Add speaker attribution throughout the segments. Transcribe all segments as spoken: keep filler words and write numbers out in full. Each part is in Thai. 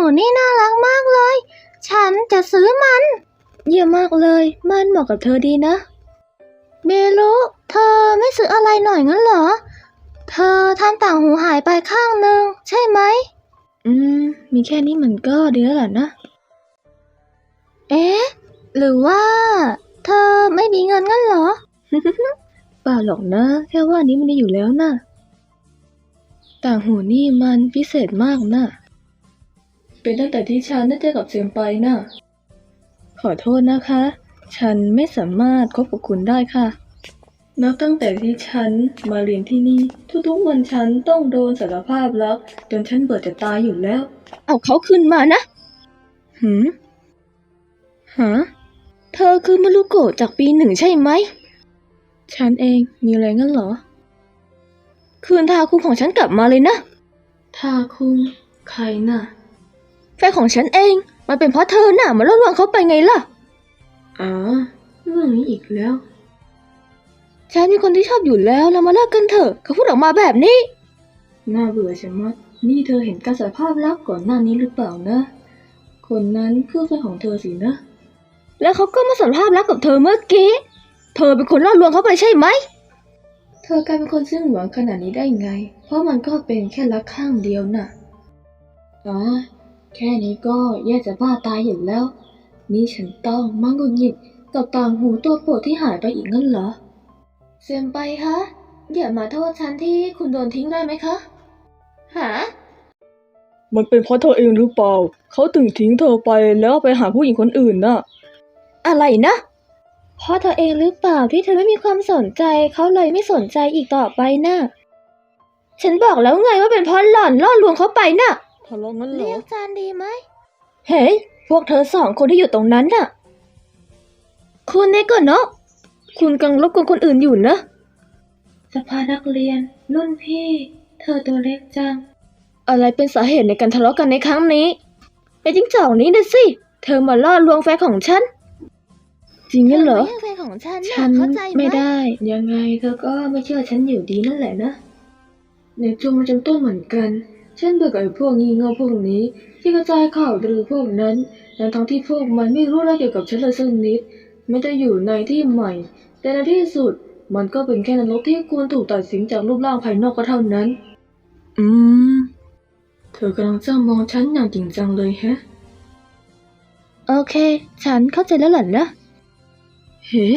Speaker 1: นี่น่ารักมากเลยฉันจะซื้อมันเยี่ยมมากเลยมันเหมาะกับเธอดีนะเมลุเธอไม่ซื้ออะไรหน่อยงั้นเหรอเธอทำต่างหูหายไปข้างหนึ่งใช่ไหมอืมมีแค่นี้มันก็ดีแล้วล่ะนะเอ๊ะหรือว่าเธอไม่มีเงินงั้นเหรอ เปล่าหรอกนะแค่ว่านี้มันมีอยู่แล้วนะต่างหูนี่มันพิเศษมากนะเป็นตั้งแต่ที่ฉันได้เจอกับเซมไปนะขอโทษนะคะ ฉันไม่สามารถคบกับคุณได้ค่ะนับตั้งแต่ที่ฉันมาเรียนที่นี่ทุกๆวันฉันต้องโดนสารภาพรักจนฉันเบื่อจะตายอยู่แล้วเอาเขาขึ้นมานะหืมฮะเธอคือมารุโกะจากปีหนึ่งใช่ไหมฉันเองมีอะไรงั้นเหรอคืนทาคุงของฉันกลับมาเลยนะทาคุงใครน่ะแฟนของฉันเองมันเป็นเพราะเธอน่ะมาล่อลวงเขาไปไงล่ะอ๋อเรื่องนี้อีกแล้วฉันมีคนที่ชอบอยู่แล้วเรามาเลิกกันเถอะเขาพูดออกมาแบบนี้น่าเบื่อชะมัดนี่เธอเห็นการสารภาพรักก่อนหน้านี้หรือเปล่านะคนนั้นคือแฟนของเธอสินะแล้วเขาก็มาสารภาพรักกับเธอเมื่อกี้เธอเป็นคนล่อลวงเขาไปใช่ไหมเธอกลายเป็นคนซึ้งหวังขนาดนี้ได้ไงเพราะมันก็เป็นแค่รักข้างเดียวน่ะอ๋อแค่นี้ก็แย่จะบ้าตายอยู่แล้วนี่ฉันต้องมาหงุดหงิดกับต่างหูตัวโปรดที่หายไปอีกงั้นเหรอเซมไปคะอย่ามาโทษฉันที่คุณโดนทิ้งได้ไหมคะหามันเป็นเพราะเธอเองหรือเปล่าเขาถึงทิ้งเธอไปแล้วไปหาผู้หญิงคนอื่นน่ะอะไรนะเพราะเธอเองหรือเปล่าที่เธอไม่มีความสนใจเขาเลยไม่สนใจอีกต่อไปน่ะฉันบอกแล้วไงว่าเป็นเพราะหล่อนล่อลวงเขาไปน่ะทะเลาะงั้นเหรอเรียกจานดีไหมเฮ้ยพวกเธอสองคนที่อยู่ตรงนั้นน่ะคุณเนโกะเนาะคุณกำลังรบกวนคนอื่นอยู่นะสภานักเรียนรุ่นพี่เธอตัวเล็กจังอะไรเป็นสาเหตุในการทะเลาะกันในครั้งนี้ไอ้จิ้งจอกนี้นะสิเธอมาล่อลวงแฟนของฉันจริงงั้นเหรอแฟนของฉันฉันไม่ได้ยังไงเธอก็ไม่เชื่อฉันอยู่ดีนั่นแหละนะในจุงมันจำต้นเหมือนกันฉันเบื่อกับไอ้พวกงี่เง่าพวกนี้ที่กระจายข่าวลือพวกนั้นทั้งที่พวกมันไม่รู้อะไรเกี่ยวกับฉันเลยสักนิดไม่ได้อยู่ในที่ใหม่แต่ในที่สุดมันก็เป็นแค่นรกที่ควรถูกตัดสินจากรูปร่างภายนอกก็เท่านั้นอืมเธอกำลังจ้องมองฉันอย่างจริงจังเลยแฮะโอเคฉันเข้าใจแล้วล่ะนะเฮ้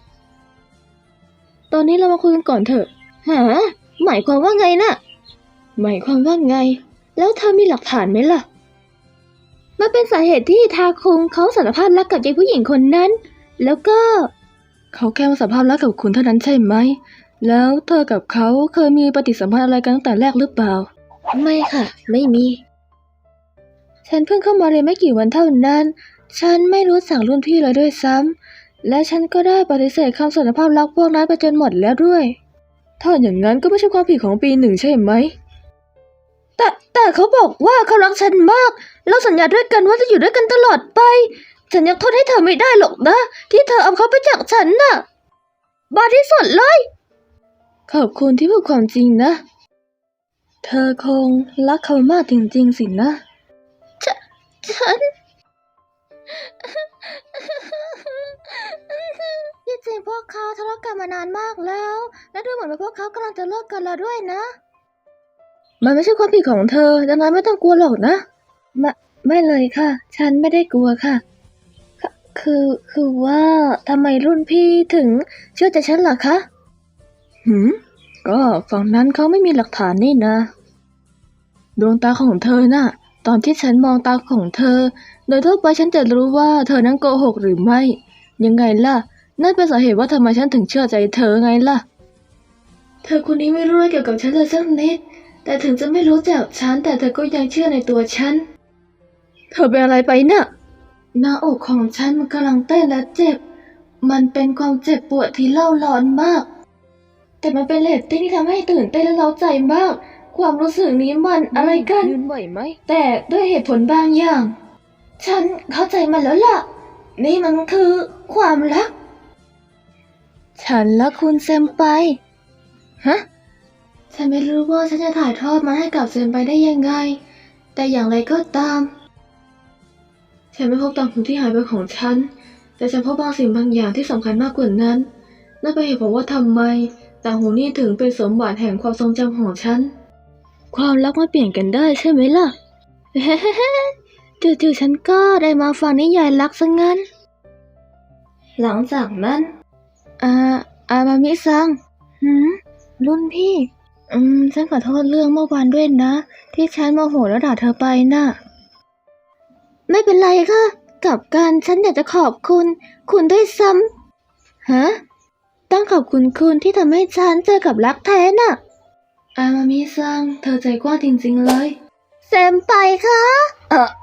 Speaker 1: ตอนนี้เรามาคุยกันก่อนเถอะหาหมายความว่าไงน่ะหมายความว่าไงแล้วเธอมีหลักฐานไหมล่ะมันเป็นสาเหตุที่ทาคุงเขาสารภาพรักกับยายผู้หญิงคนนั้นแล้วก็เขาแค่มาสารภาพรักกับคุณเท่านั้นใช่ไหมแล้วเธอกับเขาเคยมีปฏิสัมพันธ์อะไรกันตั้งแต่แรกหรือเปล่าไม่ค่ะไม่มีฉันเพิ่งเข้ามาเรียนไม่กี่วันเท่านั้นฉันไม่รู้จักรุ่นพี่เลยด้วยซ้ำและฉันก็ได้ปฏิเสธคำสารภาพรักพวกนั้นไปจนหมดแล้วด้วยถ้าอย่างนั้นก็ไม่ใช่ความผิดของปีหนึ่งใช่ไหมแต่แต่เขาบอกว่าเขารักฉันมากเราสัญญาด้วยกันว่าจะอยู่ด้วยกันตลอดไปฉันยังโทษให้เธอไม่ได้หรอกนะที่เธอเอาเขาไปจากฉันน่ะบ้าที่สุดเลยขอบคุณที่พูดความจริงนะเธอคงรักเขามากจริงๆสินะฉฉันที่จริงพวกเขาทะเลาะกันมานานมากแล้วและดูเหมือนว่าพวกเขากำลังจะเลิกกันแล้วด้วยนะมันไม่ใช่ความผิดของเธอดังนั้นไม่ต้องกลัวหรอกนะไม่ไม่เลยค่ะฉันไม่ได้กลัวค่ะคือคือว่าทำไมรุ่นพี่ถึงเชื่อใจฉันล่ะคะหืมก็ฝั่งนั้นเขาไม่มีหลักฐานนี่นะดวงตาของเธอน่ะตอนที่ฉันมองตาของเธอโดยทั่วไปฉันจะรู้ว่าเธอนั้นโกหกหรือไม่ยังไงล่ะนั่นเป็นสาเหตุว่าทำไมฉันถึงเชื่อใจเธอไงล่ะเธอคนนี้ไม่รู้อะไรเกี่ยวกับฉันเลยสักนิดแต่ถึงจะไม่รู้จักฉันแต่เธอก็ยังเชื่อในตัวฉันเธอเป็นอะไรไปน่ะหน้าอกของฉันมันกำลังเต้นและเจ็บมันเป็นความเจ็บปวดที่เล่าร้อนมากแต่มันเป็นเรตติ้งที่ทำให้ตื่นเต้นและเร้าใจมากความรู้สึกนี้มันอะไรกันยืนไหวไหมแต่ด้วยเหตุผลบางอย่างฉันเข้าใจมันแล้วล่ะนี่มันคือความรักฉันและคุณเซมไปฮะฉันไม่รู้ว่าฉันจะถ่ายทอดมันให้กับเซมไปได้ยังไงแต่อย่างไรก็ตามฉันไม่พบต่างหูที่หายไปของฉันแต่ฉันพบบางสิ่งบางอย่างที่สำคัญมากกว่านั้นนั่นเป็นเหตุผลว่าทำไมต่างหูนี่ถึงเป็นสมบัติแห่งความทรงจำของฉันความรักมาเปลี่ยนกันได้ใช่ไหมล่ะ จู่ๆฉันก็ได้มาฟังนิยายรักซะงั้นหลังจากนั้นอ่าอามามิซังหืมรุ่นพี่อืมฉันขอโทษเรื่องเมื่อวานด้วยนะที่ฉันโมโหแล้วด่าเธอไปน่ะไม่เป็นไรค่ะกลับกันฉันอยากจะขอบคุณคุณด้วยซ้ำฮะต้องขอบคุณคุณที่ทำให้ฉันเจอกับรักแท้น่ะอามามิซังเธอใจกว้างจริงๆเลยเซมไปค่ะเออ